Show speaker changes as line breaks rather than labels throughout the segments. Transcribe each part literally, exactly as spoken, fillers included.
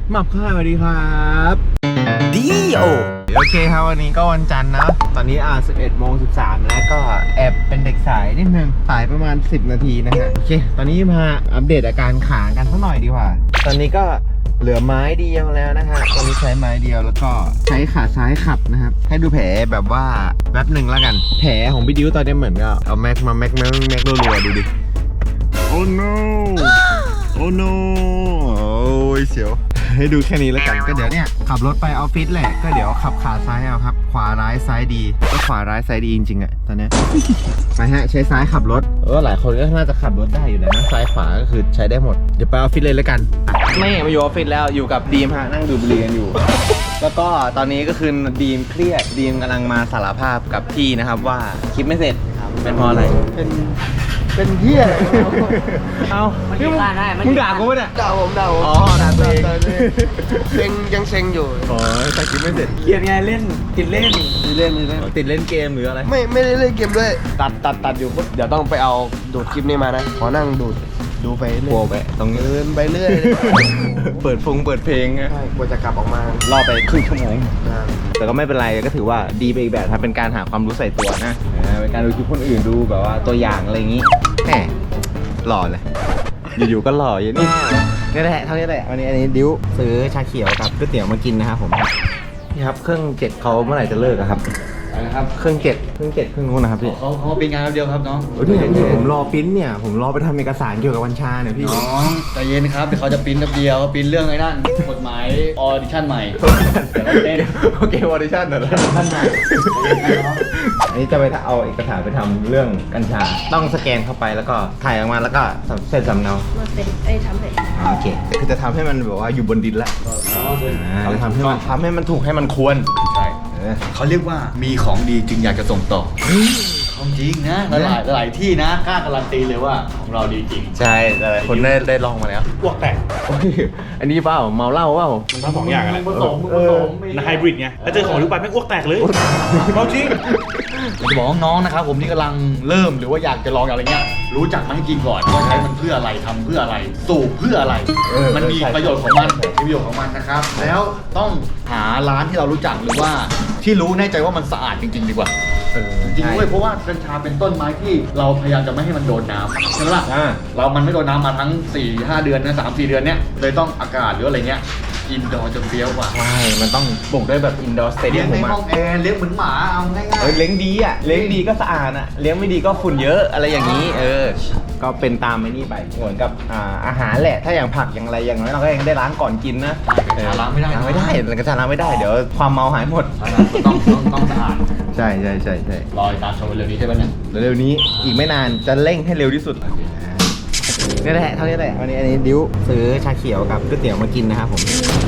หมับค่ะสวัสดีครับ
ดีโอ
โอเคครับวันนี้ก็วันจันทร์นะตอนนี้อ่าสิบเอ็ดโมงสิบสามแล้วก็แอบเป็นเด็กสายนิดนึงสายประมาณสิบนาทีนะฮะโอเคตอนนี้มาอัปเดตอาการขากันสักหน่อยดีกว่าตอนนี้ก็เหลือไม้เดียวแล้วนะฮะตอนนี้ใช้ไม้เดียวแล้วก็ใช้ขาซ้ายขับนะครับให้ดูแผลแบบว่าแป๊บหนึ่งแล้วกันแผลของพี่ดิวตอนนี้เหมือนก็เอาแม็กมาแม็กแม็กแม็กรัวๆดูดิโอ้ no โอ้ no โอ้ยเสียวให้ดูแค่นี้แล้วกันก็เดี๋ยวเนี่ยขับรถไปออฟฟิศแหละก็เดี๋ยวขับขาซ้ายเอาครับขวาร้ายซ้ายดีก็ขวาร้ายซ้ายดีจริงๆอะตอนนี้ไปฮะใช้ซ้ายขับรถเออหลายคนก็น่าจะขับรถได้อยู่แล้วนะซ้ายขวาก็คือใช้ได้หมดเดี๋ยวไปออฟฟิศเลยแล้วกันไม่มาอยู่ออฟฟิศแล้วอยู่กับดีมฮะนั่งดูบุหรี่กันอยู่ แล้วก็ตอนนี้ก็คือดีมเครียดดีมกำลังมาสารภาพกับพี่นะครับว่าคลิปไม่เสร็จเป็นเพราะอะไรเป็นเป็นเหี้ยเอามึงมึงด่ากูเนี่ย
ด่าผมด่าผม
อ๋อด่าตัวเอง
เซ็งยังเซ็งอยู่
อ๋อแต่คลิปไม่เสร็จเครียดไงเล่นติดเล่นติดเล่นติดเล่นติดเล่นเกมหรืออะไร
ไม่ไม่ได้เล่นเกมด้วยตัดตัดตัดอยู่ปุ๊บเดี๋ยวต้องไปเอาดูดคลิปนี้มานะขอนั่งดูดดูไปเรื่อย
ไปตรงนี้
เดินไปเรื่อย
เปิดฟงเปิดเพลง
ใช่กว่าจะกลับออกมาร
อไปครึ่งชั่วโมงแต่ก็ไม่เป็นไรก็ถือว่าดีไปอีกแบบครับเป็นการหาความรู้ใส่ตัวนะเป็นการดูคลิปคนอื่นดูแบบว่าตัวอย่างอะไรอย่างนี้แหมหล่อเลยอยู่ๆก็หล่ออย่างนี้นี่แหละเท่านี้แหละวันนี้อันนี้ดิวซื้อชาเขียวกับก๋วยเตี๋ยวมากินนะครับผมนี่ครับเครื่องเจ็ดเขาเมื่อไหร่จะเลิกครับ
นะครับ
เครื่องเจ็ดเครื่องเจ็ดเครื่องนู้นนะครับพี่
เขาเขาเป็นงานเดียวครับน้อง
โอ้ยพี่ผมรอปิ้นเนี่ยผมรอไปทำเอกสารเกี่ยวกับวัญชาเนี่ยพี่
น้องใจเย็นครับเดี๋ยวเขาจะปิ้นกับเดียวปิ้นเรื่องไอ้นั่นกฎหมายออดิชั่นใหม่เต้น
โอเคออดิชั่นเหรอท่านใหม่อันนี้จะไปเอาเอกสารไปทำเรื่องกัญชาต้องสแกนเข้าไปแล้วก็ถ่ายออกมาแล้วก็เซ็นสำเนา
มันเป็นไอ้ทำเป็น
โอเคคือจะทำให้มันแบบว่าอยู่บนดินละเราทำให้มันทำให้มันถูกให้มันควร
ใช่เขาเรียกว่ามีของดีจึงอยากจะส่งต่อของจริงนะหลายหลายที่นะกล้าการันตีเลยว่าของเราดีจริง
ใช่หลายคนได้ได้ลองมาแล้ว
อ้วกแตก
อันนี้เปล่าเมาเหล้าเปล่า
มันทั้งสองอย่างแหละ
ผสมผสม
นะไฮบริดไงแล้วเจอของลูกปัดไม่อ้วกแตกเลยเอาจริง
จะบอกน้องนะครับผมที่กำลังเริ่มหรือว่าอยากจะลองอะไรเงี้ยรู้จักมันให้จริงก่อนว่าใช้มันเพื่ออะไรทำเพื่ออะไรสูบเพื่ออะไรมันมีประโยชน์ของมันมีประโยชน์ของมันนะครับแล้วต้องหาร้านที่เรารู้จักหรือว่าที่รู้แน่ใจว่ามันสะอาดจริงๆดีกว่าจริงด้วยเพราะว่ากัญชาเป็นต้นไม้ที่เราพยายามจะไม่ให้มันโดนน้ำใช่ไหมล่ะเรามันไม่โดนน้ำมาทั้ง สี่ห้า เดือนนะ สามสี่ เดือนเนี้ยเลยต้องอากาศหรืออะไรเงี้ยอินดอร์จนเฟี้ยวกว่า
ใช่มันต้องปลูกด้วยแบบอินดอร์สเตเดียม
ในห้องแอร์เลี้ยงเหมือนหมาเอาง่ายๆ
เลี้ยงดีอ่ะเลี้ยงดีก็สะอาดอ่ะเลี้ยงไม่ดีก็ฝุ่นเยอะอะไรอย่างนี้เออก็เป็นตามไอ้นี่ไปเหมือนกับอ่าอาหารแหละถ้าอย่างผักอย่างอะไรอย่างน้อยเราก็ยังได้ล้างก่อนกินนะ
ล้างไม่ได้
ล้างไม่ได้กระชาล้างไม่ได้เดี๋ยวความเมาหายหมด
ต้องต้องต้องสะอาด
ใช่ใช่ใช่ใช่
รอตามชมเร็วนี้ใช่ไหมเนี่ย
เร็วนี้อีกไม่นานจะเร่งให้เร็วที่สุดนี่แหละเท่านี้แหละวันนี้อันนี้ดิวซื้อชาเขียวกับก๋วยเตี๋ยวมากินนะครับผม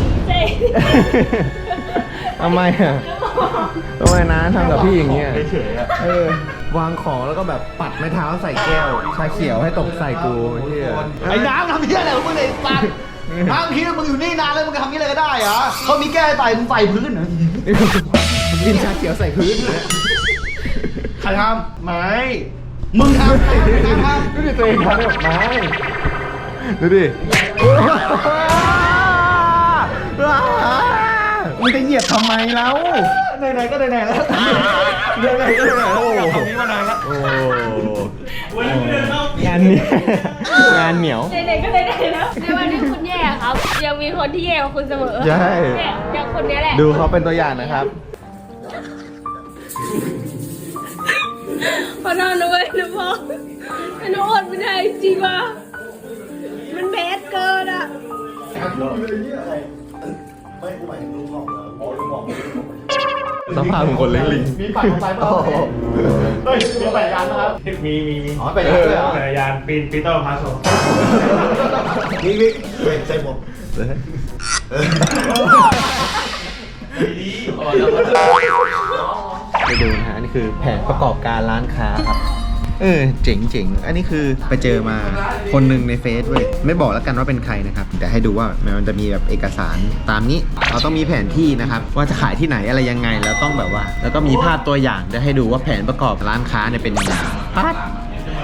ทำไมอ่ะทำไมนะทำกับพี่อย่างเงี้ยเออวางของแล้วก็แบบปัดไม้เท้าใส่แก้วชาเขียวให้ตกใส่กู
ไอ้น้ำทำเหี้ยอะไรของมึงไอ้สัตว์น้ำคิดว่ามึงอยู่นี่นานแล้วมึงทำนี้อะไรก็ได้เหรอเขามีแก้ใส่มึงใส่พื้นเหรอ
กินชาเขียวใส่พื้น
ใครทำไม่มึงทำใครทำ
ดูดิตัวเองทำแบบไม่ดูดิมึงจะเหยียบทำไมแล้ว
ไหนๆก็ไหนๆแล้ว
ไหนๆก็ไหนๆโอ้
ตรงนี้มานานแล้ว
โอ้งานเนี่ยงานเหนียว
ไหนๆก็ไหนๆแล้วในวันที่คุณแย่ครับยังมีคนที่แย่กว่าคุณเสมอ
ใช่
อย่างคนนี้แหละ
ดูเขาเป็นตัวอย่างนะครับ
พอนอนด้วยนะพ่อหนูอดไม่ได้จริงว่ะมันเบสเกินอ่ะ
สภาพของคนเลี้ยงลิง
มีปั่นไปเปล่าเฮ้ยมีปั่นยานนะครับ
มีมีมี
อ๋อปั่นยานด้วยเหรอ
ปั่นยานปีนปีเตอร์พาโซ
นี่นี่ใส่หมวก
ดีไปดูนะฮะอันนี้คือแผนประกอบการร้านค้าครับเออเจ๋งเจ๋งอันนี้คือไปเจอมาคนหนึ่งในเฟซเว้ยไม่บอกแล้วกันว่าเป็นใครนะครับแต่ให้ดูว่ามันจะมีแบบเอกสารตามนี้เราต้องมีแผนที่นะครับว่าจะขายที่ไหนอะไรยังไงแล้วต้องแบบว่าแล้วก็มีภาพตัวอย่างจะให้ดูว่าแผนประกอบร้านค้าเนี่ยเป็นยังไงปั๊บ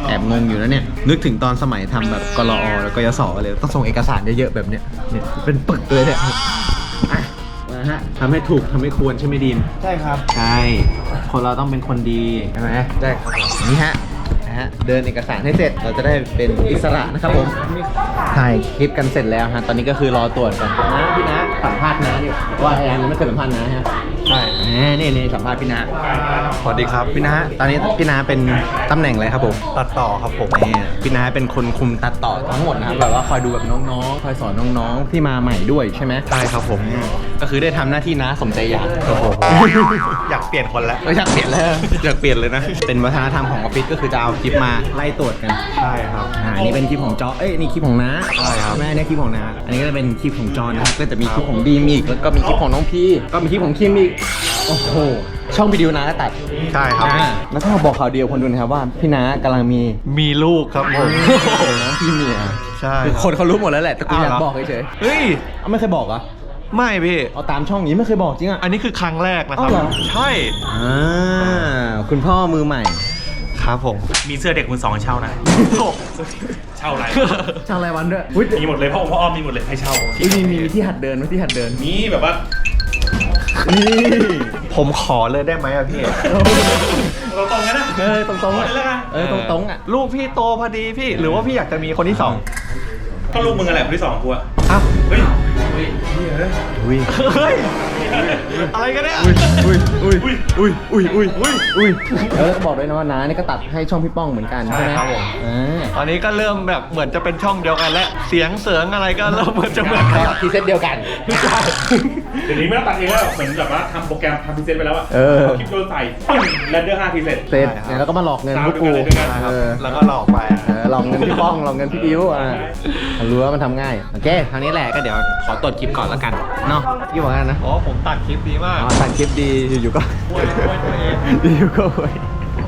แอบงงอยู่นะเนี่ยนึกถึงตอนสมัยทำแบบกลอแล้วก็ยสเลยต้องส่งเอกสารเยอะๆแบบเนี้ยเนี่ยเป็นปึกเลยเนี่ยอ่ะนะฮะทำให้ถูกทำให้ควรใช่ไหมดีม
ใช่ครับ
ใช่คนเราต้องเป็นคนดีใช่ไหม
ได้ครับผม
นี่ฮะนะฮะเดินเอกสารให้เสร็จเราจะได้เป็นอิสระนะครับผมถ่ายคลิปกันเสร็จแล้วฮะตอนนี้ก็คือรอตรวจกันนะพี่นะสัมภาษณ์นะอยู่ว่าแอนยังไม่เคยสัมภาษณ์นะฮะ
ใช่
นี่นี่สัมภาษณ์พี่นะ
สวัสดีครับ
พี่นะตอนนี้พี่นะเป็นตำแหน่งอะไรครับผม
ตัดต่อครับผม
นี่พี่นะเป็นคนคุมตัดต่อทั้งหมดนะครับแบบว่าคอยดูแบบน้องๆคอยสอนน้องๆที่มาใหม่ด้วยใช่ไหม
ใช่ครับผม
ก็คือได้ทำหน้าที่นะสมใจอยาก
โอ้โหอยากเปลี่ยนคนแล้ว
ไม่อยากเปลี่ยนแล้วอยากเปลี่ยนเลยนะเป็นวัฒนธรรมของออฟฟิศก็คือจะเอาคลิปมาไล่ตรวจกัน
ใช่ครับ
อ่านี่เป็นคลิปของจอ เอ้ย นี่คลิปของน้า
ใช่ครับ
แม่เนี่ยคลิปของน้า อันนี้ก็จะเป็นคลิปของจอนะครับ ก็จะมีคลิปของดีมอีก แล้วก็มีคลิปของน้องพี่ ก็มีคลิปของคิมอีก โอ้โห ช่องวิดีโอน้าก็ตัด
ใช่ครับ
อ่าแล้วก็บอกข่าวเดียวคนดูนะครับว่าพี่น้ากำลังมี
มีลูกครับผม
น้องพี่เมีย
ใช่
คือคนเขารู้หมดแล้วแหละ แต่กูอยาก
อ้าวเหรอ
บอกเฉย
เฮ้ย
ๆเอาไม่เคยบอกเหรอ
ไม่พี่
เอาตามช่องนี้ไม่เคยบอกจริงอ่ะ
อันนี้คือครั้งแรกนะครับ
อ้าวเหรอ
ใช่
อ่าคุณพ่อมือใหม่
ครับผม
มีเสื้อเด็กมือสองให้เช่านะ เช่าอะไร
ช่างรายวันด้วยอุ้ย
มีหมดเลยพ่อองค์พ่ออ้อมมีหมดเลยให้เช่า
อุ๊ยมีมีที่หัดเดินไหมที่หัดเดิน
มีแบบว่า
นี่
ผมขอเลยได้ไหมอะพี่
เราตรงๆกันนะ
เออตรงๆอ่ะ
เอาเลยแล้วกัน
เออตรงๆอ่ะ
ลูกพี่โตพอดีพี่ หรือว่าพี่อยากจะมีคนที่สอง
ก็ลูกมึงอะไรคนที่สองกูอะ
อ้าว
เฮ้ย
อุ้ย
เฮ้ย อะไรกันเนี่ย
อุ้ยอุ้ย
อุ้ย
อุ้ยอุ้ยอุ้ยอุ้ยอุ้ยแล้วก็บอกด้วยนะว่าน้านี่ก็ตัดให้ช่องพี่ป้องเหมือนกันใช่ไหม
ใช่ครับผม
อ่า
ตอนนี้ก็เริ่มแบบเหมือนจะเป็นช่องเดียวกันแล้ว เสียงเสริงอะไรก็เริ่มเหมือนจะเหมือนกัน
ทีเซตเดียวกัน
เดี๋ยวนี้ไม่ต้องตัดเองแล้วเหมือนแบบว่าทำโปรแกรมทำพรีเซนต์ไปแล้วอะ
เออ
คลิปโดนใส่ปึ้งแรนเดอร์ห้าพรีเซนต์
เสร็จเนี่ยแล้วก็มาหลอกเงินพวกกู
สาวด้วยกัน
เออ
แล้วก็หลอกไป
เออหลอกเงินพี่ป้องหลอกเงินพี่บิวอ่ะรู้ว่ามันทำง่ายโอเคครั้งนี้แหละก็เดี๋ยวขอตรวจคลิปก่อนแล้วกันเนาะยี่บอกกันนะ
อ๋อผมตัดคลิปดีมาก
อ๋อตัดคลิปดีอยู่ๆก็
โวยโวยตัวเอง
อยู่ๆก็โวย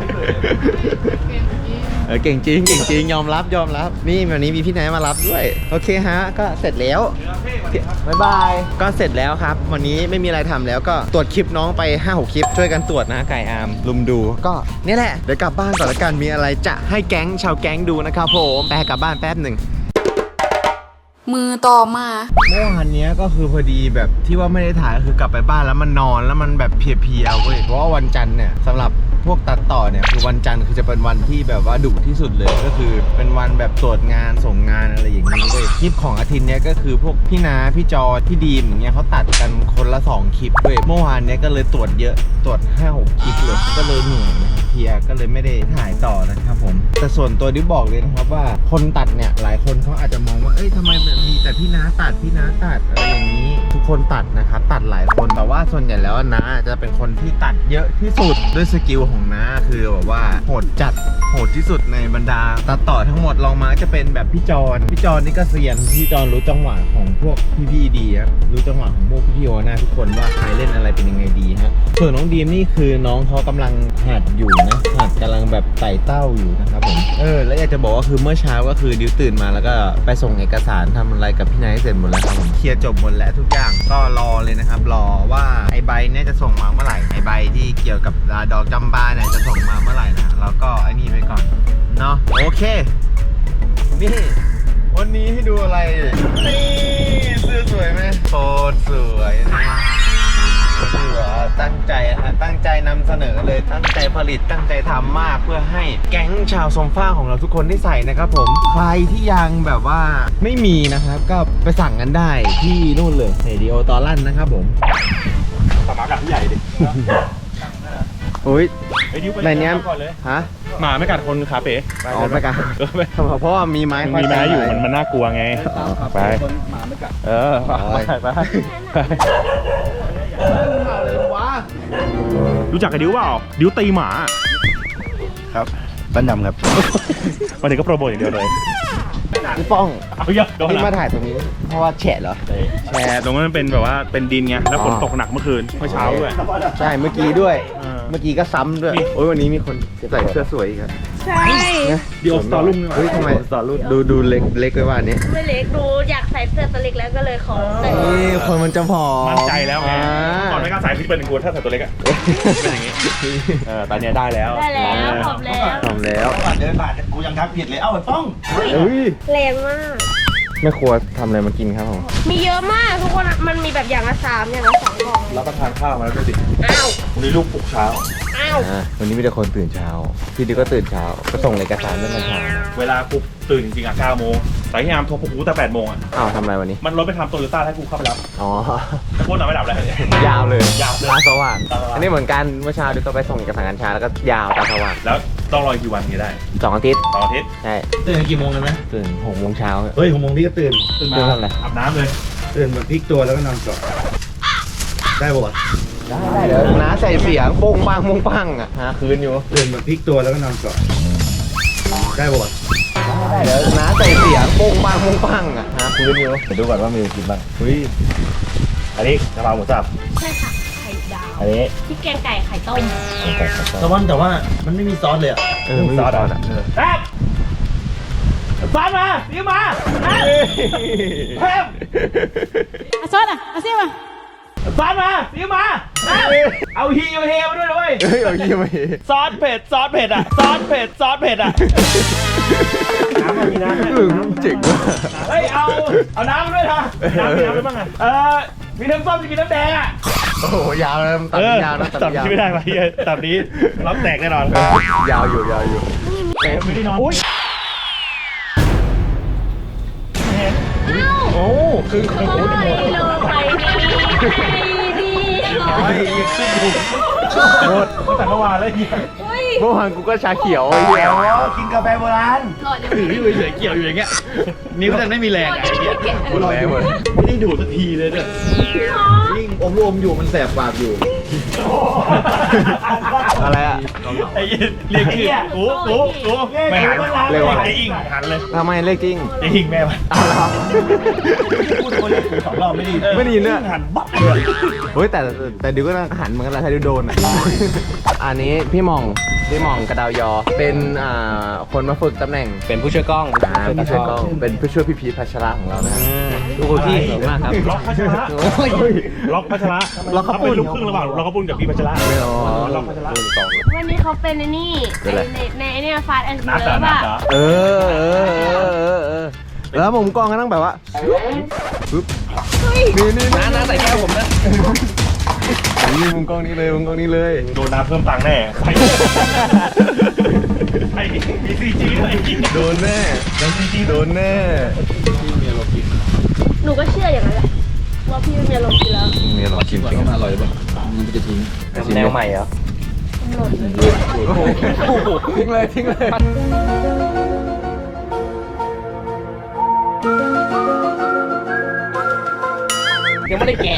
เออเก่งจริงเก่งจริงยอมรับยอมรับนี่วันนี้มีพี่นายมารับด้วยโอเคฮะก็เสร็จแล้วบ๊ายบายก็เสร็จแล้วครับวันนี้ไม่มีอะไรทำแล้วก็ตรวจคลิปน้องไป ห้าหก คลิปช่วยกันตรวจนะไก่อาร์มลุมดูก็นี่แหละเดี๋ยวกลับบ้านก่อนละกันมีอะไรจะให้แก๊งชาวแก๊งดูนะครับผมแปลกลับบ้านแป๊บหนึ่ง
มือต่อมา
เมื่อวานเนี้ยก็คือพอดีแบบที่ว่าไม่ได้ถ่ายก็คือกลับไปบ้านแล้วมันนอนแล้วมันแบบเพลียๆเว้ยเพราะว่าวันจันทร์เนี่ยสำหรับพวกตัดต่อเนี่ยคือวันจันทร์คือจะเป็นวันที่แบบว่าดุที่สุดเลยก็คือเป็นวันแบบตรวจงานส่งงานอะไรอย่างนี้เว้ยคลิปของอาทิตย์เนี้ยก็คือพวกพี่นาพี่จอพี่ดีมอย่างเงี้ยเขาตัดกันคนละสองคลิปเว้ยเมื่อวานเนี้ยก็เลยตรวจเยอะตรวจ ห้าหก คลิปเลยก็เลยเหนื่อยนะครับเพลียก็เลยไม่ได้ถ่ายต่อนะครับผมแต่ส่วนตัวดิบอกเลยนะครับว่าคนตัดเนี่ยหลายคนเขาอาจจะมองว่าเอ้ยทำไมมันมีแต่พี่นาตัดพี่นาตัดอะไรอย่างนี้ ทุกคนตัดนะครับตัดหลายคนแต่ว่าส่วนใหญ่แล้วน้าจะเป็นคนที่ตัดเยอะที่สุดด้วยสกิลของน้าคือแบบว่าโหดจัดโหดที่สุดในบรรดาตัดต่อทั้งหมดลองมาจะเป็นแบบพี่จอนพี่จอนนี่ก็เซียนพี่จอนรู้จังหวะของพวกพี่ๆดีครับรู้จังหวะของพวกพี่โอนะทุกคนว่าใครเล่นอะไรเป็นยังไงดีฮะส่วนน้องดีมนี่คือน้องเขากำลังหัดอยู่นะหัดกำลังแบบไต่เต้าอยู่นะครับผมเออแล้วอยากจะบอกว่าคือเมื่อเช้าก็คือดิวตื่นมาแล้วก็ไปส่งเอกสารทำอะไรกับพี่นายเสร็จหมดแล้วครับผมเคลียร์จบหมดแล้วทุกอย่างก็รอเลยนะครับรอว่าไอใบเนี่ยจะส่งมาเมื่อไหร่ไอใบที่เกี่ยวกับดอกจำปาเนี่ยจะส่งมาเมื่อไหร่นะเราก็ไอ้นี่ไปก่อนเนาะโอเคนี่วันนี้ให้ดูอะไรนี่เสื้อสวยไหมโคตรสวยนะคือว่าตั้งใจฮะตั้งใจนำเสนอเลยตั้งใจผลิตตั้งใจทำมากเพื่อให้แก๊งชาวโซมฟ้าของเราทุกคนได้ใส่นะครับผมใครที่ยังแบบว่าไม่มีนะครับก็ไปสั่งกันได้ที่นู่นเลยเรดิโอตอลั่นนะครับผม
สมากัดพี่ใหญ่ดิ
โอ้ย
ไอ้ดิวไป
ในเนี้ย
ก่อนเลย
ฮะ
หมาไม่กัดคนขาเป๋
อ๋อไปกัน
เออไป
เพราะว่ามีไม้
มันมีไม้อยู่มันมันน่ากลัวไงไปเออไปไปไปรู้จักกับดิวเปล่าดิวตีหมา
ครับบ้านดำครับ
วันนี้ก็โปรโมทอย่างเดียวเลย
พี่ป้อง
เอาเยอะโดน
ที่มา
ละ
ถ่ายตรงนี้เพราะว่าแฉะเหรอ
แชร์ตรงนั้นมันเป็นแบบว่าเป็นดินไงแล้วฝนตกหนักเมื่อคืนเมื่อเช้าด้วย
ใช่เมื่อกี้ด้วย
เออ
เมื่อกี้ก็ซ้ำด้วย
นี่
โอ้ยวันนี้มีคนใส่เสื้อสวยอีกครับ
ใช่
เดี๋ยวต่อรุ่ง
เฮ้ยทำไมต่อรุ่นดูดูเล็กเล็กไปว่าอันนี้
ไม่เล็กดูอยากใส่เสื้อตัวเล็กแล้วก็เลยขอใส่
นี่คนมันจะผอม
มั่นใจแล้วไง
อ่า
ก่อนไม่กล้าใส่พี่เป็นกลัวถ้าใส่ตัวเล็กอะเป็นอย่างงี้เออตอนเนี้ยได้แล้ว
ได้แล้วขอบแล้ว
ผอมแล้ว
เดินผ่านกูยังทักผิดเลย เอ้าไอ้ป้อง
เฮ้ย
แรงมาก
แม่ครัวทำอะไรมากินครับผม
มีเยอะมากทุกคนมันมีแบบอย่างละสามอย่างละสองกล่อง
รับประทานข้าวมาแล้วด้วยดิ
อ้าว
วันนี้ลูกปลุกเช้า
อ้าว
อ่าวันนี้มีแต่คนตื่นเช้า พี่ดิวก็ตื่นเช้า ก็ส่งเอกสารตั้งแต่เช้า
เวลากูตื่นจริงๆอ่ะเก้าโมงแต่พี่ยามโทรปลุกกูแต่แปดโมงอ่ะ
อ้าวทำอะไรวันนี้
มันรถไปทำโตโยต้าให้กูเข้าไปรับ
อ๋อ
แต่โคตรนอนไม่หลับเลย
ยาวเลย
ยาวเลย
ตาสว่าง
ตาสว่าง
อันนี้เหมือนกันเมื่อเช้าดิวก็ไปส่งเอกสารการชาแล้วก็ยาวตาสว่าง
แล้วต้องรออีกกี่วันถึงจะได้
สองอาทิตย์
สองอาทิตย์
ใช่
ตื่นกี่โมงกันไหม
ตื่นหกโมงเช้า
เฮ้ยหกโมงพี่ก็ตื่น
ตื่นมา
ตื่นทำอะไร
อาบน้ำเลย
ตื่นมาพลิกตัวแล้วก็นอนต่อได้ปะวะ
ได้ได้เดี๋ยวน้าใส่เสียงโป้งปังโป้งปังอ่ะหาคืนอยู่
ตื่นมาพลิกตัวแล้วก็นอนต่อได้ปะวะ
ได้เดี๋ยวน้าใส่เสียงโป้งปังโป้งปังอ่ะหาคืนอยู่
เดี๋ยวดูก่อนว่ามีอะไรกินบ้างเฮ้ยอันนี้กะเพราหมูสับ
ใช่ค่ะไข่ดาว
อันนี้
พริกแกงไก่ไข่ต้ม
ตะวันแต่ว่ามันไม่มีซอสเลยอ่ะ
เออไม่มีซอสอ่ะ
แป๊บซอสมานี่มาแป๊บ
อาซอสอ่ะอาเซียมา
ซอสมานี่มาเอาฮีเอาเฮมาด้วยนะเว้ย
เฮ้ยเอายี่ไม่
ซอสเผ็ดซอสเผ็ดอ่ะซอสเผ็ดซอสเผ็ดอ่ะน้ำมีน้ำ
เออเจ๋งว่ะ
เฮ้ยเอาเอาน้ำมาด้วยนะน้ำมีน้ำอะไรบ้างอ่ะเออมีน้ำส้มจะกินน้ำแดงอ่ะ
โอ้โหยาวแล้วตัดยาวนะตัด
ตัด
ยาว
ไม่ได้ไหมตัดนี้รับแตกแน่นอน
ยาวอยู่ยาวอยู่
ไม่ได้นอนอุ้ย
โอ้คือ
โอ้ยโลไปดีไปดี
หมด
ตั้งแต่เมื่อวานแล้วเฮีย
เฮ้ย
เมื่อวานกูก็ชาเขียวไอ้เหี้ย
กินกาแฟโบราณ
หลอดยัง
ถือพี่เฉยเกี่ยวอยู่อย่างเงี้ยนิ้วแต่ไม่มีแรงไอ้เหี้ย
หมดแล้วหมด
ไม่ได้ดูดสักทีเลยเนี่ย
ยิ่งอมรวมอยู่มันแสบปากอยู่ อะไรอ่ะ
ไอ้เหี้ยเรียกชื่อกูกูกูไม่หัน
เรียกว่าอะไร
ไอ้อิงหันเลย
ทำไมเลขจริง
ไอ้อิงแม่มัน
อ้าวเหรอ
พูดคนเรียกสองรอบไม่ดี
ไม่ได้ยินเนี่ย
หันบั๊บเลย
เฮ้ยแต่แต่ดิวก็หันเหมือนกันแหละถ้าดิวโดนอ่ะ อันนี้พี่หม่องพี่หม่องกระดาวยอ เป็นอ่าคนมาฝึกตำแหน่ง
เป็นผู้ช่วยกล้อง
อ่าเป็นผู้ช่วยกล้องเป็นผู้ช่วยพี่พีชพัชระของเรานะ
ทุกคนที่เก่งมากครับ
ล็อกพัชระล็อกพัชระ
ล็อกข้าวปุ้น
เป็นลูกครึ่งระหว่างล็อกข้าวปุ้นกับพี่พัชระ
ไม่เอา
ล็อกพัชระ
วันนี้เขาเป็นไอ้นี่
เป็นอะไร
ในในในฟาสแอนด์
นัด
เลิ
เหรอ
ฟ
นัด
อะ
เหรอ
เออเออเออเออเออแล้วมุมกล้องก็ต้องแบบว่าปึ๊บนี่นี่
น้าน้าใส่แก้วผมนะ
นี่มุมกล้องนี้เลยมุมกล้องนี้เลย
โดนน้ำเพิ่มตังค์แน่ไอ้ไอ้มีซีจีด้วยไอ้กิ๊ก
โดนแน่โดนแน่
หนูก็เชื่ออย่างนั้นแหละว่าพี่ไม่มีอารมณ์กินแล้ว
มีหรอชิมจริงอร่อยป่ะ
แนวใหม่เหรอ
หล่นเลย
ทิ้งเลยทิ้งเลย
ยังไม่ได้แกะ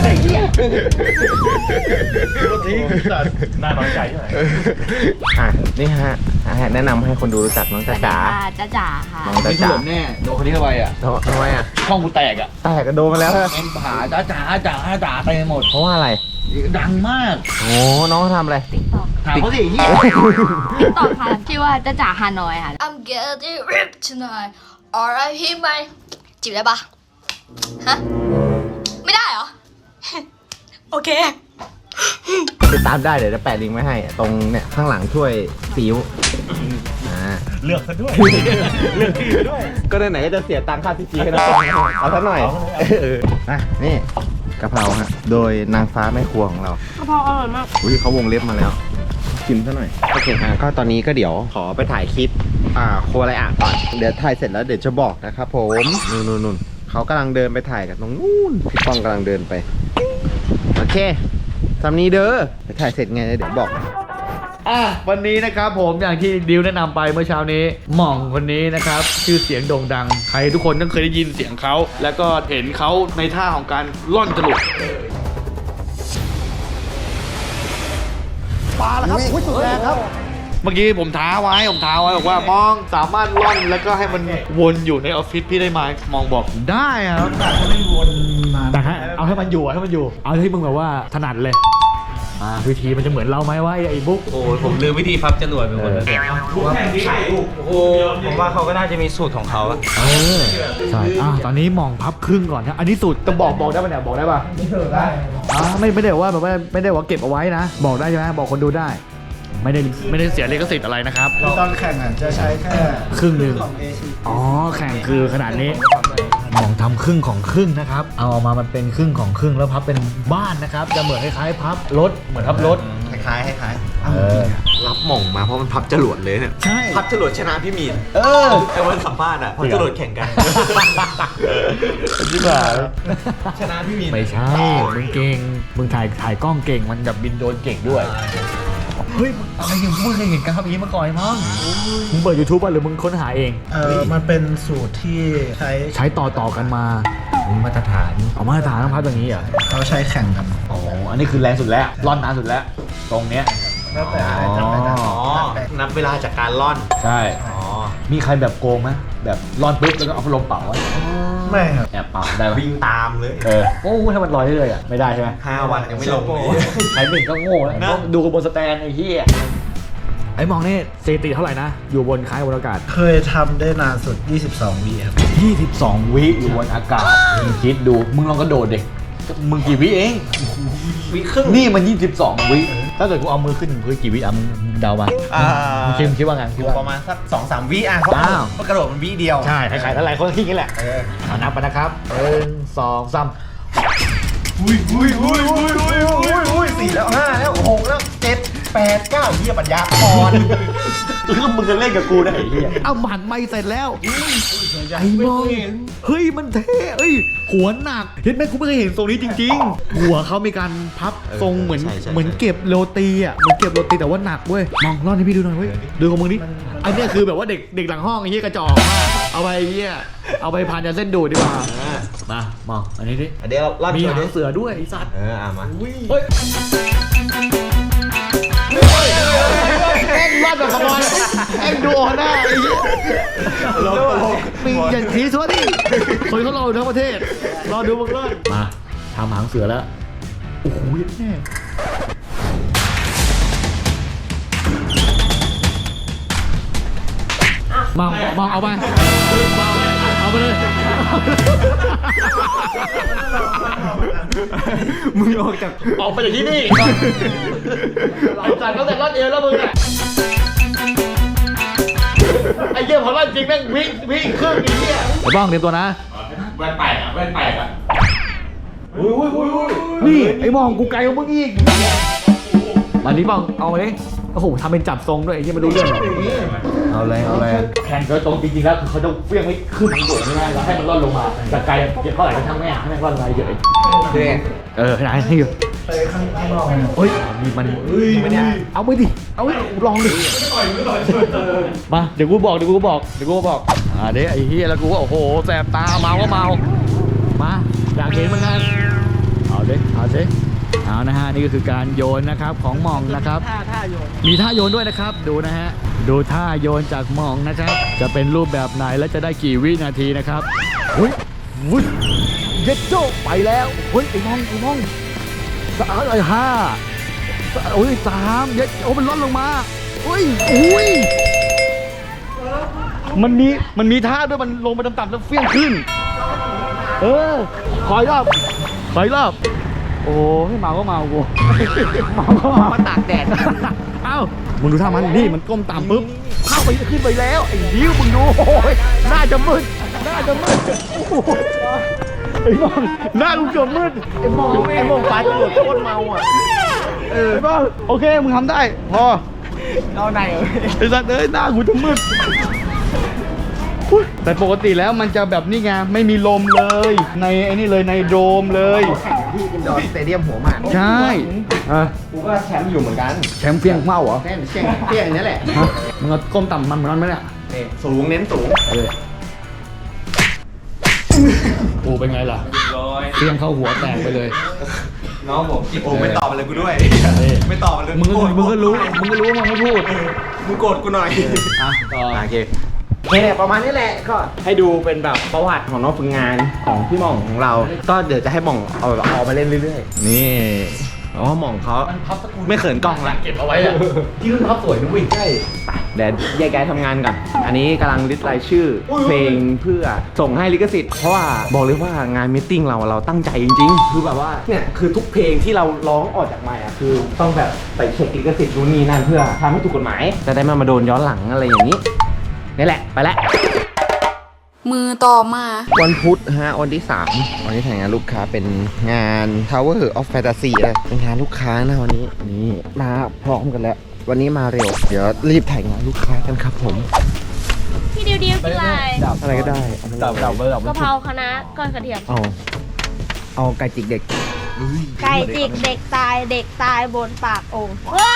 ก็ทิ้งสัตว์น่าน้อยใจใช่ไหม
อ่ะนี่ฮะอ่ะแนะนำให้คนดูรู้จักน้องจ๊ะจ๋า
จ้าจ๋าค่ะ
น้องจ๊ะจ๋า
แน่โดนคนนี้เข้าไปอ่ะ
ทำไมอ่ะ
ช่องกูแตกอ่ะ
แตกกระโดนมาแล้วฮะ
แองผาจ้าจ๋าจ๋าจ๋าไปหมด
เพราะว่าอะไร
ดังมาก
โอ้น้องเขาทำอะไร
ถามเขาสิเฮีย
ตอบค่ะชื่อว่าจ้าจ๋าฮานอยค่ะ I'm getting ripped tonight R I P ไหมจีบได้ปะฮะ ไม่ได้เหรอ โอเค
ติดตามได้เดี๋ยวจะแปะลิงก์ไว้ให้ ตรงเนี่ยข้างหลังช่วยซีอิ๊วอ่า
เลือกซะด้วยเลือกที่ไปด้วย
ก็ไหนๆก็จะเสียตังค่าซีจีให้น้องเอาสักหน่อยเอออ่ะนี่กะเพราฮะโดยนางฟ้าแม่ครัวของเรา
กะเพราอร่อยมาก
อุ้ยเขาวงเล็บมาแล้วชิมซะหน่อยโอเคฮะก็ตอนนี้ก็เดี๋ยวขอไปถ่ายคลิปอ่าโคอะไรอ่ะก่อนเดี๋ยวถ่ายเสร็จแล้วเดี๋ยวจะบอกนะครับผมนู่นนู่นนู่นเขากำลังเดินไปถ่ายกันตรงนู้นพี่ป้องกำลังเดินไปโอเคทำนี้เด้อไปถ่ายเสร็จไงเดี๋ยวบอก
อ่ะวันนี้นะครับผมอย่างที่ดิวแนะนำไปเมื่อเช้านี้หม่องคนนี้นะครับชื่อเสียงโด่งดังใครทุกคนต้องเคยได้ยินเสียงเขาแล้วก็เห็นเขาในท่าของการล่อนจรวดปลาแล้วครับอุ้ยสุดแรงครับ เมื่อกี้ผมท้าไว้ผมท้าไว้บอกว่ามองสามารถล่อนแล้วก็ให้มันวนอยู่ในออฟฟิศพี่ได้ไหมมองบอกได้ครับแต่ให้เอาให้มันอยู่ให้มันอยู่ เอาที่มึงแบบว่าถนัดเลยอ่าวิธีมันจะเหมือนเราไหมว่าไอ้บุ๊ก
โอ้ยผมลืมวิธีพับจรวดไปหมดแล้วเนี่ย
โอ้โหผมว่าเขาก็น่าจะมีสูตรของเขาอะ
เออใช่อ่ะตอนนี้มองพับครึ่งก่อนนะอันนี้สูตรจะบอกบอกได้ปะเนี่ยบอกได้ปะได้อ่าไม่ไม่ได้ว่าแบบว่าไม่ได้ว่าเก็บเอาไว้นะ บอกได้ใช่ไหมบอกคนดูได้ ไม่ได้ไม่ได้เสียลิขสิทธิ์อะไรนะครับ
ตอนแข่งอ่ะจะใช้แค่
ครึ่งหนึ่งอ๋อแข่งคือขนาดนี้มองทำครึ่งของครึ่งนะครับ เอาออกมามันเป็นครึ่งของครึ่งแล้วพับเป็นบ้านนะครับ จะเหมือนคล้ายๆพับรถเหมือนพับรถ
คล้ายๆคล้าย
เออ
รับหม่องมาเพราะมันพับจรวดเลยเนี่ย
ใช่
พับจรวดชนะพี่มีน
เออ
ไอ้วันสัมภาษณ์อ่ะพับจรวดแข่งกัน
ที่บ้า
ชนะพี่มีน
ไม่ใช่ มึงเก่ง มึงถ่ายถ่ายกล้องเก่ง มันแบบบินโดรนเก่งด้วย เฮ้ยมึงอะไรอย่างมึงเคยเห็นการทำอย่างนี้มาก่อนมั้งมึงเปิด YouTube ป่ะหรือมึงค้นหาเอง
เออมันเป็นสูตรที่ใช้
ใช้ต่อต่อกันมา
มาตรฐาน
เอามาตรฐานต้องพับอย่างนี้เหรอ
เขาใช้แข่งกัน
อ๋อ อันนี้คือแรงสุดแล้ว ร่อนนานสุดแล้ว ตรงเนี้ย
แล้วแต่อะไรทำได้แต่
อ๋อ นับเวลาจากการล่อน
ใช่
อ๋อ
มีใครแบบโกงไหมแบบร่อนปุ๊บแล้วก็เอาพัดลมเป่าไว้
ไม่ครับ
แอบเป่าได้ไหม
วิ่งตามเลย
เออ โอ้ให้มันลอยเรื่อยๆอ่ะ ไม่ได้ใช่ไหม
ห้าวันยังไม่ลงเลย
ใครหนึ่งก็โง่แล้ว
นะ
ต้องดูกันบนสแตนไอ้เหี้ยไอ้มองนี่สถิติเท่าไหร่นะ อยู่บนคล้ายบนอากาศ
เคยทำได้นานสุด ยี่สิบสองวิครับ
ยี่สิบสอง วิอยู่บนอากาศมึงคิดดู มึงลองกระโดดเด็กมึงกี่วิเอง
วิครึ่ง
นี่มันยี่สิบสอง วิ ถ้าเกิดกูเอามือขึ้นพื้นกี่วิอ่ะมึงเดามา
อ่า
มึงคิดมึงคิดว่าไงคิดว่า
ประมาณสักสองสามวิอ่ะเพราะ
อ้าว
เพราะกระโดดมันวิเดียว
ใช่ใครๆอะไรคนคิดอย่างนี้แหละ
เออ
เอานับไปนะครับหนึ่งสองสาม
อุ้ยอุ้ยอุ้ยอุ้ยอุ้ยอุ้ยอุ้ยสี่แล้วห้าแล้วหกแล้วเจ็ดแปดเก้าเหี้ยปัญญาอ่อน
คือมึงจะเล่นกับกูได้ไอ้เหี้ยเอาหมันไม่เสร็จแล้วไอ้มองเฮ้ยมันเท่เอ้ยหัวหนักเห็นไหมกูไม่เคยเห็นทรงนี้จริง ๆ หัวเขามีการพับทรงเหมือน
ใช่ใช่
เหมือนเก็บโรตีอ่ะเหมือนเก็บโรตีแต่ว่าหนักเว้ยมองร่อนให้พี่ดูหน่อยเว้ยดูของมึงดิอันเนี้ยคือแบบว่าเด็กเด็กหลังห้องไอ้เหี้ยกระจอกมากเอาไปไอ้เหี้ยเอาไปผ่านยาเส้นดูดดีกว่า มามองอันนี้ดิ
เดี๋ยวเรา
มี
โชว์
หา
ดิ
งเสือด้วยไอ้สัตว์
เอออ่ะมา
เฮ้ยแม่งรอดแบบขโมยแม่งดูหน้าไอ้เหี้ยมีอย่างทีสวะดิคนเขารออยู่ทั้งประเทศรอดูมึงเลยมาทำหางเสือแล้วโอ้โหแน่มองมองเอาไปมองเอาไปเลย
มึงออกจาก
ออกไปจากที่นี่ก่อนไอ้สัตว์ตั้งแต่รอดเอวแล้วมึงเนี่ยไอ้เหี้ยพอรอดจริงแม่งวิ่งวิ่งครึ่งไอ้เหี้ยไอ้บ้องเตรียมตัวนะ
แว่นแปดอ่ะแว่นแปดอ่ะ
นี่ไอ้มองกูไกลกว่ามึงอีกมานี้บ้องเอามาดิโอ้โหทำเป็นจับทรงด้วยไอ้เหี้ยไม่รู้เรื่องหรอกเอาเลยเอาเลยแข่งโดยตรงจริงๆแล้วคือเขาจะเฟี้ยงให้ขึ้นโดดไม่ได้แล้วให้มันร่อนลงมาจากไกลเก็บเท่าไหร่ก็ช่างแม่ให้แม่งร่อนลงมาเยอะ
เด็ก
เออขนาดให้อยู่
ไปข้างนอก
เฮ้ยมีมันเอาไปดิเอาไปลองดิมาเดี๋ยวกูบอกเดี๋ยวกูบอกเดี๋ยวกูบอกอ่าเดี๋ยวไอ้เหี้ยแล้วกูก็โอ้โหแสบตาเมาก็เมามาอยากเห็นเหมือนกันเอาดิเอาดิเอานะฮะนี่ก็คือการโยนนะครับของหม่องนะครับมีท่าโยนด้วยนะครับดูนะฮะดูท่าโยนจากหม่องนะครับจะเป็นรูปแบบไหนและจะได้กี่วินาทีนะครับอุ้ยวุ้ยเย็ดโจ้ไปแล้วเฮ้ยไอ้หม่องไอ้หม่องสามไอ้ห้าโอ้ยสามเย็ดโอ้มันลดลงมาอุ้ยอุ้ยมันมีมันมีท่าด้วยมันลงไปต่ำๆแล้วเฟี้ยงขึ้นเออขออีกรอบขออีกรอบโอ้ให้เมาก็เมากูเมาก็เมามาตากแดดเอ้ามึงดูท่ามันนี่มันก้มต่ำปุ๊บเข้าไปขึ้นไปแล้วไอ้ดิ้วมึงดูโอ้ยน่าจะมืดน่าจะมืดโอ้ยไอ้มองหน้ากูเกือบมืดไอ้มองไอ้มองปลาตำรวจโคตรเมาอ่ะเออป่ะโอเคมึงทำได้พอเอาไหนไอ้สัตว์เอ้ยหน้ากูจะมืดแต่ปกติแล้วมันจะแบบนี่ไงไม่มีลมเลยในไอ้นี่เลยในโดมเลย
แข่งที่อินดอร์สเตเดียมหัวหมาก
ใช่อ่ะ
กูก็แชมป์อยู่เหมือนกัน
แชมป์เปี้ยงเมาเหรอ
แค่เชียงเปี้ยงนี่แหละ
ฮะมึงเอาก้มต่ำมันเหมือนนั้นไหมเนี่ย
นี่สูงเน้นสูง
เออโอ้เป็นไงล่ะเปี้ยงเข้าหัวแตกไปเลย
น้องผมโอ้ไม่ตอบอะไรกูด้วย
เออ
ไม่ตอบอะไรเลย
มึงก็มึงก็รู้มึงก็รู้ว่ามึงไม่พูด
มึงโกรธกูหน่อย
อ่ะต่อ
โอเคโอเคเนี่ยประมาณนี้แหละก็ให้ดูเป็นแบบประวัติของน้องฝึกงานของพี่หม่องของเรา ก็เดี๋ยวจะให้หม่องเอาแบบเอามาเล่นเรื่อยๆ นี่อ๋อหม่องเขาไม่เขินกล้องละ
เก็บเอาไว้อะที่รุ่นพับสวยนะเว้ยใช่
ไปเดี๋ยวแยกย้ายทำงานก่อนอันนี้กำลังลิสต์รายชื่อเพลงเพื่อส่งให้ลิขสิทธิ์เพราะว่าบอกเลยว่างานมิทติ้งเราเราตั้งใจจริงๆคือแบบว่าเนี่ยคือทุกเพลงที่เราร้องออกจากไมค์อ่ะคือต้องแบบไปเช็คลิขสิทธิ์นู่นนี่นั่นเพื่อทำให้ถูกกฎหมายจะได้ไมามาโดนย้อนหลังอะไรอย่างนี้นี่แหละไปแล้ว
มือต่อมา
วันพุธฮะวันที่สามวันนี้ถ่ายงานลูกค้าเป็นงาน Tower of Fantasy เลยเป็นงานลูกค้านะวันนี้นี่มาพร้อมกันแล้ววันนี้มาเร็วเดี๋ยวรีบถ่ายงานลูกค้ากันครับผม
พี่ดิวดิวเป็นไร
อะไรก็ได้เอา
ดับดับเบอร์ดับ
กะเพราคณะก้อนกระเทียม
เอาเอาไก่จิกเด็ก
ไก่จิกเด็กตายเด็กตายบนปากโองว้าว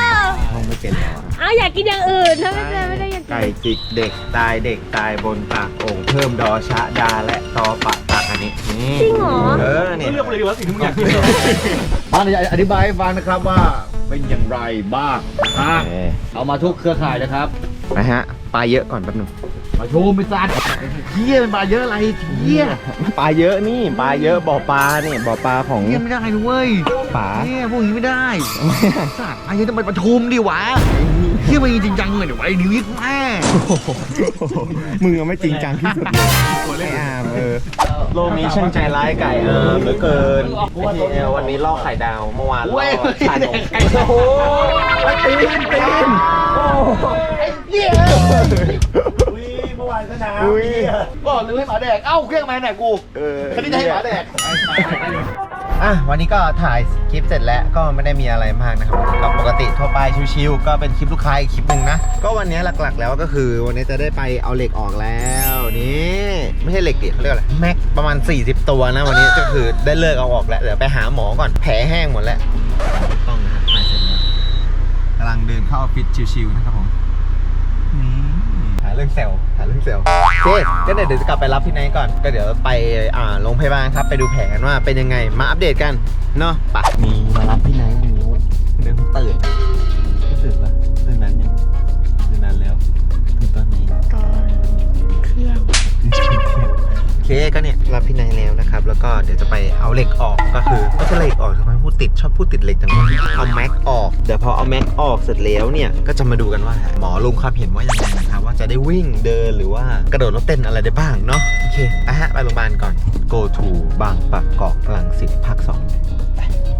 ห้องไม่เป็นแล้วอะ
อ้าวอยากกินอย่างอื่นถ้าไม่ได้ไม่ได้อยากกิน
ไก่จิกเด็กตายเด็กตายบนปากโอ่งเพิ่มดอชะดาและตอปะตักอันนี้นี่
จริงเหรอ
เออเนี่ย
เลือกไปเลยดีว่าสิ่งที่มึงอยากกิน
บ้านจะอธิบายให้ฟังนะครับว่าเป็นอย่างไรบ้างฮะ
เออ
เอามาทุกเครือข่ายนะครับ
นะฮะปลาเยอะก่อนแป๊บหนึง
มาโชว์ไปซัดเฮียเป็นปลาเยอะอะไรเฮีย
ปลาเยอะนี่ปลาเยอะบ่อปลาเนี่ยบ่อปลาของ
เฮียไม่ได้นะเว้ย
ป๋า
เฮียพวกนี้ไม่ได้สัตว์ไอ้เฮียต้องไปประชุมดิวะเฮียไปจริงจังเลยเดี๋ยวไอ้นิวยิกแม่
มึงอะไม่จริงจังที่สุดเลยไม่อามเออโลกนี้ช่างใจร้ายไก่อามเหลือเกินไอ้ทีเอลวันนี้ล่อไข่ดาวเมื่อวานล่อชานมโอ้โหตีนตีนโอ้ไอ้เหี้ย
เมื่อวานก็น้
อุ้ย
ำบอกเลยให้หมาแดกเอ้าเครื่องมาไหนกู
เออ
คันนี้จะให้หมาแดก
อ่ะวันนี้ก็ถ่ายคลิปเสร็จแล้วก็ไม่ได้มีอะไรมากนะครับก็ปกติทั่วไปชิวๆก็เป็นคลิปลูกค้าอีกคลิปหนึ่งนะก็วันนี้หลักๆแล้วก็คือวันนี้จะได้ไปเอาเหล็กออกแล้วนี่ไม่ใช่เหล็กดิเขาเรียกอะไรแม็กประมาณสี่สิบตัวนะวันนี้ก็คือได้เลิกเอาออกแล้วเดี๋ยวไปหาหมอก่อนแผลแห้งหมดแล้วต้องนะฮะถ่ายเสร็จแล้วกำลังเดินเข้าออฟฟิศชิวๆนะครับผมหาเรื่องเซลล์หาเรื่องเซลล์โอเคก็เดี๋ยวจะกลับไปรับพี่ไนท์ก่อนก็เดี๋ยวไปอ่าโรงพยาบาลครับไปดูแผลกันว่าเป็นยังไงมาอัปเดตกันเนาะปะมีมารับพี่ไนท์วันนี้เริ่มตื่นไม่ตื่นปะตื่นนั้นยังตื่นนั้นแล้วตื่นตอนนี้ตอนเที่ยงโอเคก็เนี่ยรับพี่ไนท์แล้วนะครับแล้วก็เดี๋ยวจะไปเอาเหล็กออกก็คือไม่ใช่เหล็กออกทำไมพูดติดชอบพูดติดเหล็กจังเลยเอาแม็กออกเดี๋ยวพอเอาแม็กออกเสร็จแล้วเนี่ยก็จะมาดูกันว่าหมอลงความเห็นว่ายังไงนะครับว่าจะได้วิ่งเดินหรือว่ากระโดดรถเต้นอะไรได้บ้างเนาะโอเคอ่ะฮะไปโรงพยาบาลก่อน go to บางปะกอกรังสิตภาคสองไป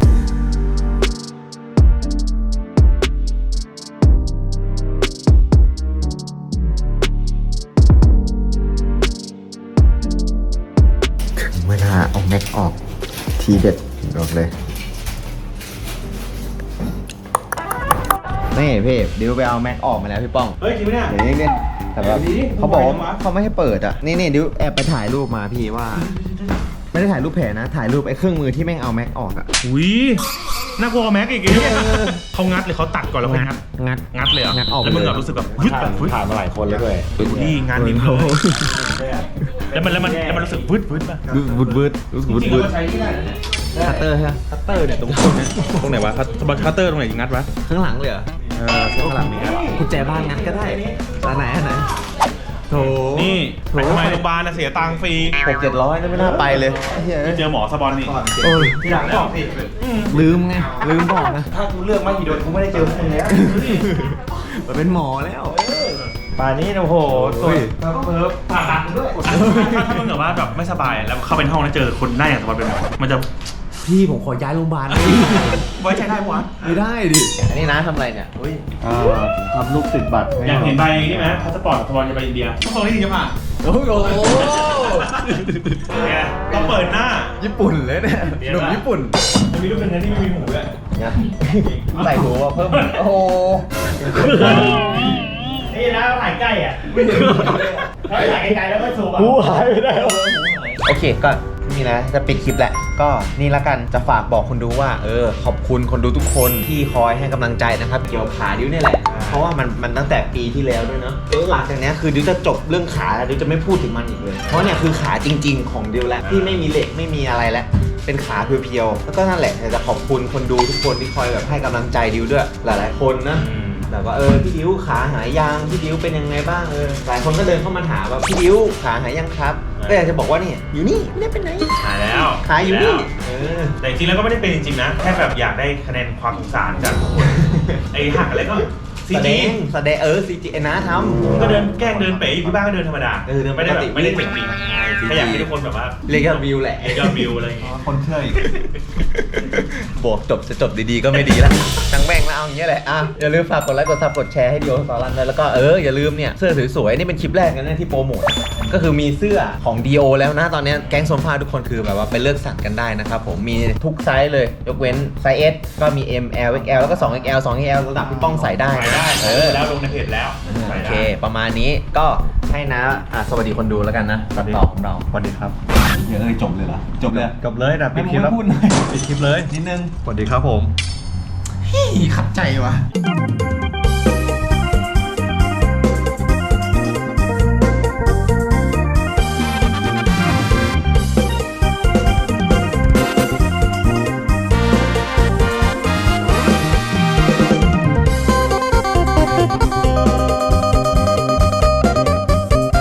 ถึงเวลาเอาแม็กออกทีเด็ดบอกเลยนี่พี่ดิวไปเอาแม็กออกมาแล้วพี่ป้อง
เฮ้ยจริงไหมเนี่ย
เดี๋ยวนี้เนี่ยแต่แบบเขาบอกว่าเขาไม่ให้เปิดอ่ะนี่นี่ดิวแอบไปถ่ายรูปมาพี่ว่า ไม่ได้ถ่ายรูปแผลนะ ถ่ายรูปไอ้เครื่องมือที่แม่งเอาแม็กออกอ่ะ
อุ้ยน่ากลัวแม็กอีกเนี่ยเขางัดหรือเขาตัดก่อนแล้วค่อยงัด
งัด
งัดเลยเหรอ
งัดออก
แล้วมึง
เลย
แบบรู้สึกแบบวึดแบบวึด
ผ่านมาหลายคนแล้วด้วย
นี่งานนิ่มเลยแล้วมันแล้วมันแล้วมันรู้สึกวึดวึดป่ะ
บูดบูดบูด
จริง
บู
ๆ
ด
เราใช้ที่ไหน
คัตเตอร์ใช่ไหม
คัตเตอร์เนี่ยตรงตรงเนี้ยตรงไหนวะคัตคัตเตอร์ตรงไหนงัดวะ
ข้างหลังเลยเหรอ
เออข้างหลังนี่งัด
กุญแจบ้านงัดก็ได้อันไหนอันไหนโถ
นี่ไปทำไมโรงพยาบาลน่ะเสียตังค์ฟรี
หกเจ็ดร้อยไม่น่าไปเลยเฮ้ย
เจอหมอสปอนนี่
โอ้ย
ที่หลังบอกสิ
ลืมไงลืมบอกนะ
ถ้ากูเลือกไม่กี่โดนกูไม่ได้เจอพวกมึงแล้ว
มันเป็นหมอแล้ว
ป่านนี้โอ้โหสวย
เพิ่มผ่าตัดด้วยถ้าถ้ามึงแบบว่าแบบไม่สบายแล้วเข้าไปในห้องแล้วเจอคนหน้าอย่างสปอนเป็นหมอมันจะ
พี่ผมขอย้ายโรงพยาบาล
ไว้ใจได้ปะวะ
ไม่ได้ดิอันนี้นะทำอะไรเนี่ยอุ้ย
อ่าทำลูกติดบัตรให้
อยากเห็นใบนี่ไหมพาสปอร์ตสปอนจะไปอินเดียทุกคนที่จะผ่าน
โอ้โห
เนี่ยต้องเปิดหน้า
ญี่ปุ่นเลยเนี่ยหนุ่มญี่ปุ่น
จะมีรูปเป็นนั้นที่ไม่มีหูด้วย
นะใส่หัวเพิ่มโอ้โห
นี่นะถ่ายใกล้อ่ะถ้าถ่ายไกลๆแล้วก็สูบอ่ะหูหายไปได้
โอเคก็นี่นะจะปิดคลิปแหละก็นี่ละกันจะฝากบอกคนดูว่าเออขอบคุณคนดูทุกคนที่คอยให้กำลังใจนะครับเกี่ยวกับขาดิวเนี่ยแหละเพราะว่ามันมันตั้งแต่ปีที่แล้วด้วยเนาะหลังจากนี้คือดิวจะจบเรื่องขาแล้วดิวจะไม่พูดถึงมันอีกเลยเพราะเนี่ยคือขาจริง ๆ ของดิวแล้วที่ไม่มีเหล็กไม่มีอะไรแล้วเป็นขาเพียวๆแล้วก็นั่นแหละจะขอบคุณคนดูทุกคนที่คอยแบบให้กำลังใจดิวด้วยหลายๆคนนะแบบว่าเออพี่ดิวขาหายยังพี่ดิวเป็นยังไงบ้างเออหลายคนก็เดินเข้ามาถามว่าพี่ดิวขาหายยังครับก็อยากจะบอกว่านี่อยู่นี่ไม่ได้เป็นไหน
หายแล้ว
ขายอยู่นี่เออ
แต่จริงๆแล้วก็ไม่ได้เป็นจริงๆนะแค่แบบอยากได้คะแนนความสงสารจากทุกคนไอ้หักอะไรก็ซี
แสด
จี
งแสดงเออซีจีนะทำ
ก็เดินแกล้งเดินเป๋อยู่ที่บ้านก็เดินธรรมดา
เออเดินป
ไม่ได้
ก
แบ
ติ
บไม่ได้เจ๋งจริงแค่อยากให้ทุกคนแบบว่า
เรียกยอดวิวแหละ
เรียกยอดวิวอะไรอย่างเงี้ย
คนเชื่ออีกบวกจบจะจบดีๆก็ไม่ดีแล้วทั้งแม่งแล้วเอาอย่างเงี้ยแหละอ่ะอย่าลืมฝากกดไลค์กดซับกดแชร์ให้ดิโอสอรันเลยแล้วก็เอออย่าลืมเนี่ยเสื้อสวยๆนี่เป็นคลิปแรกนะที่โปรโมทก็คือมีเสื้อของดีโอแล้วนะตอนนี้แก๊งโซนฟ้าทุกคนคือแบบว่าไปเลือกสั่งกันได้นะครับผมมีทุกไซส์เลยยกเว้นไซส์ S ก็มี M L X L แล้วก็ สอง เอ็กซ์ แอล สอง เอ็กซ์ แอล ระดับพี่ป้องใส่ได้
ใส่ได้
เออ
แล้วลงในเพจแล้ว
โอ
ใส่
เค
ได้
ประมาณนี้ก็ให้นะอ่ะสวัสดีคนดูแล้วกันนะตัดต่อของเรา
สวัสดีครับ
เยอะเลยจบเลยเหรอจบเลย
จบเลยนะปิดคลิปแล้ว
ไม่พูดหน่อย
ปิดคลิปเลย
นิดนึง
สวัสดีครับผม
ขัดใจว่ะ